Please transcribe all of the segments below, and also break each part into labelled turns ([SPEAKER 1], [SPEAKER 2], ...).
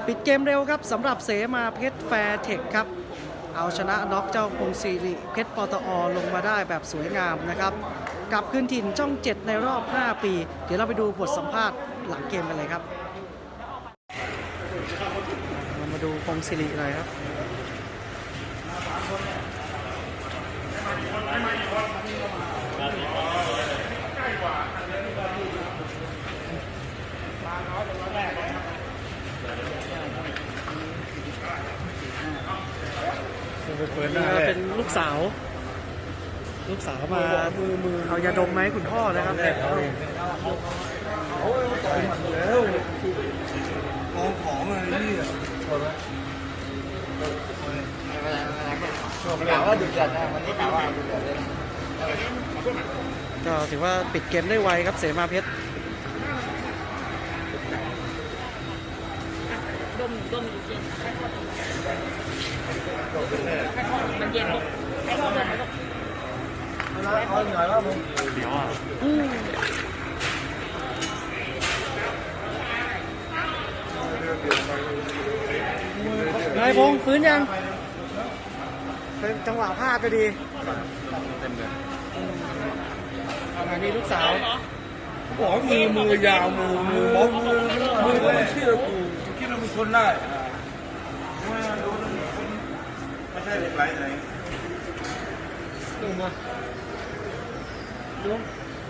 [SPEAKER 1] ปิดเกมเร็วครับสำหรับเสมาเพชรแฟร์เทคครับเอาชนะน็อกเจ้าพงศิริเพชรปตอลงมาได้แบบสวยงามนะครับกลับคืนถิ่นช่อง 7ในรอบ 5 ปี เดี๋ยวเราไปดูบทสัมภาษณ์หลังเกมกันเลยครับเรามาดูพงศิริหน่อยครับเป็นลูกสาวมาเอายาดมไหมคุณพ่อนะครับ
[SPEAKER 2] โอ้ยต่อยหมัดแล้วมองของอะไรนี่กล่าวว่าดุเดือดนะวันนี้กล่าวว่าดุเดือดเลย
[SPEAKER 1] ก็ถือว่าปิดเกมได้ไวครับเสมาเพชร
[SPEAKER 3] ดมอยู่เย็นมันเย็นลูกให้เขาเดินลูก
[SPEAKER 2] เอาหน่อยว่ามึง
[SPEAKER 4] เดี๋ยวอ่ะ
[SPEAKER 1] นายพงษ์ฟื้นยังเป็นจังหวะพลาดไปดี
[SPEAKER 4] เต็มเลย
[SPEAKER 1] อันนี้ลูกสาว
[SPEAKER 2] บอกมือยาวมือบล็อกมือไม่เชื่อกูคิดว่ามึงทนได้ไม่ใช่เหล็กไหลไหน
[SPEAKER 1] ลงมาลง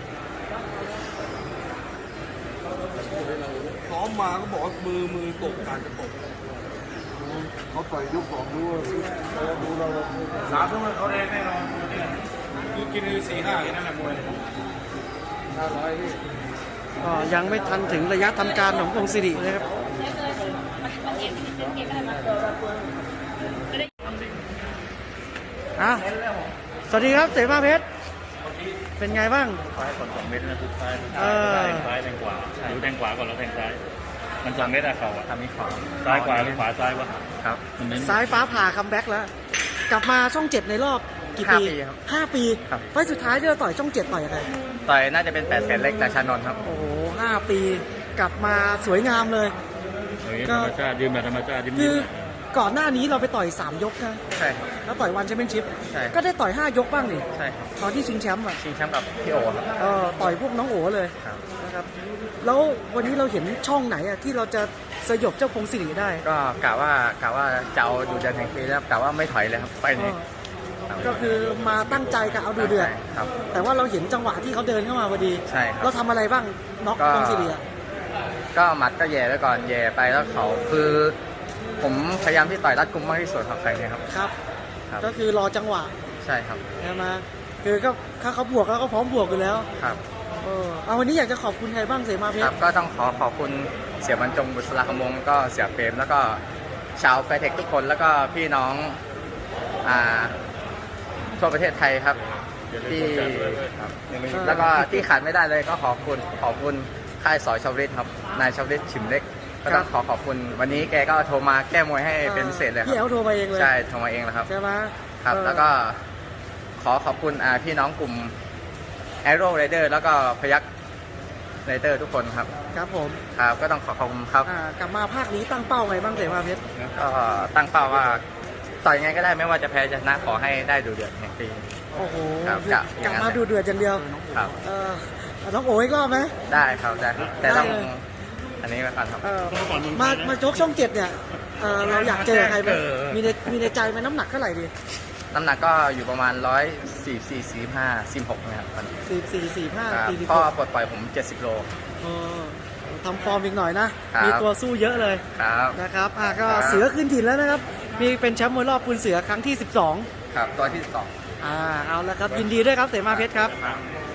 [SPEAKER 2] พร้อมมาก็บอกว่ามือตกการจะตกเขาต่อยยุบของด้วยดูเราสามทุ่มเขาแรงแน่นอนคือกิน4-5แค่นั้นแหละมวย500พี่
[SPEAKER 1] ก็ยังไม่ทันถึงระยะทำการของพงศิริเลยครับสวัสดีครับเสมาเพชรเป็นไงบ้าง
[SPEAKER 4] ซ้ายก่อน2 เมตรนะทุกซ้ายซ้ายแทงขวาหรือแทงขวาก่อนแล้วแทงซ้ายมัน2 เมตรอะเขาอะทำนี้ขวาซ้ายขวาหรือขวาซ้ายวะครับ
[SPEAKER 1] ซ้ายฟ้าผ่าคัมแบ็กแล้วกลับมาช่อง 7ในรอบกี่ปี5 ปีไฟสุดท้ายที่เราต่อยช่อง 7ต่อยอะไร
[SPEAKER 4] ต่อยน่าจะเป็น8 แสนเล็กจากชานนท์ครับ
[SPEAKER 1] โอ้โห5 ปีกลับมาสวยงามเลย
[SPEAKER 4] ธรรมชาติยืมแบบธรรมชาติ
[SPEAKER 1] คือก่อนหน้านี้เราไปต่อย3 ยกนะ
[SPEAKER 4] ใช่ครับ
[SPEAKER 1] แล้วต่อยวันแชมเปี้ยนชิพ
[SPEAKER 4] ใช่
[SPEAKER 1] ก็ได้ต่อย5 ยกบ้างนี่
[SPEAKER 4] ใช่ครับ
[SPEAKER 1] ตอนที่ชิงแชมป์อ่ะ
[SPEAKER 4] ชิงแชมป์กับพี่โอครับ
[SPEAKER 1] ต่อยพวกน้องโอเลยนะครับแล้ววันนี้เราเห็นช่องไหนอ่ะที่เราจะสยบเจ้าพงศิริได้
[SPEAKER 4] ก็กะว่าจะเอาดูเดือดแห่งปีแล้วกะว่าไม่ถอยเลยครับไปนี้
[SPEAKER 1] ก็คือมาตั้งใจกะเอาดูเดือดแต่ว่าเราเห็นจังหวะที่เขาเดินเข้ามาพอดี
[SPEAKER 4] ใช่ครับ
[SPEAKER 1] เราทำอะไรบ้างน็อกพงศิริ
[SPEAKER 4] ก็หมัดก็แย่ไว้ก่อนแย่ไปแล้วเขาคือผมพยายามที่ต่อยรัดกุมมากที่สุดครับใครเนี่ยครับ
[SPEAKER 1] ครับก็คือรอจังหวะ
[SPEAKER 4] ใช่ครับ
[SPEAKER 1] ใช่ไหมคือก็ถ้าเขาบวกแล้วก็พร้อมบวกอยู่แล้ว
[SPEAKER 4] ครับ
[SPEAKER 1] เอาวันนี้อยากจะขอบคุณใครบ้างเสมาเพชร
[SPEAKER 4] ก็ต้องขอบคุณเสี่ยบรรจงบุษราคำวงศ์ก็เสี่ยเปรมแล้วก็ชาวแฟร์เทคทุกคนแล้วก็พี่น้องทั่วประเทศไทยครับที่แล้วก็ที่ขาดไม่ได้เลยก็ขอบคุณค่ายสอยชาวฤทธิ์ครับนายชาวฤทธิ์ฉิมเล็กก็ต้องขอบคุณวันนี้แกก็โทรมาแก้มวยให้เป็นพิเศษเลยครับ
[SPEAKER 1] พี่เอ๋โทรมาเองเลย
[SPEAKER 4] ใช่โทรมาเองแล้วครับ
[SPEAKER 1] ใช่ไหม
[SPEAKER 4] ครับแล้วก็ขอบคุณพี่น้องกลุ่ม Arrow Rider แล้วก็พยัคฆ์ไรเดอร์ทุกคนครับ
[SPEAKER 1] ครับผม
[SPEAKER 4] ครับก็ต้องขอบคุณครับ
[SPEAKER 1] กลับมาภาคนี้ตั้งเป้าไงบ้างเสมาเพชร
[SPEAKER 4] ก็ตั้งเป้าว่าต่อยไงก็ได้ไม่ว่าจะแพ้จะชนะขอให้ได้ดูเดือดแห่งปี
[SPEAKER 1] โอ้โหกลับมาดูเดือดอย่างเดียว
[SPEAKER 4] ครับ
[SPEAKER 1] น้องโอ๋อีกรอบไหม
[SPEAKER 4] ได้ครับได้แต่ต้องอันนี้ก่อนครับ
[SPEAKER 1] มาโจ๊กช่อง 7เนี่ยเราอยากเจอใครไหมมีในใจไหมน้ำหนักเท่าไหร่ดี
[SPEAKER 4] น้ำหนักก็อยู่ประมาณ144-45-46นะครับ
[SPEAKER 1] 44-45
[SPEAKER 4] พ่อปลดปล่อยผม70 โล
[SPEAKER 1] ทำฟอร์มอีกหน่อยนะมีตัวสู้เยอะเลยนะครับก็เสือขึ้นถิ่นแล้วนะครับมีเป็นแชมป์มวยรอบคุณเสือครั้งที่12
[SPEAKER 4] ครับตัวที่12
[SPEAKER 1] เอาละครับยินดีด้วยครับเสมาเพชรครับ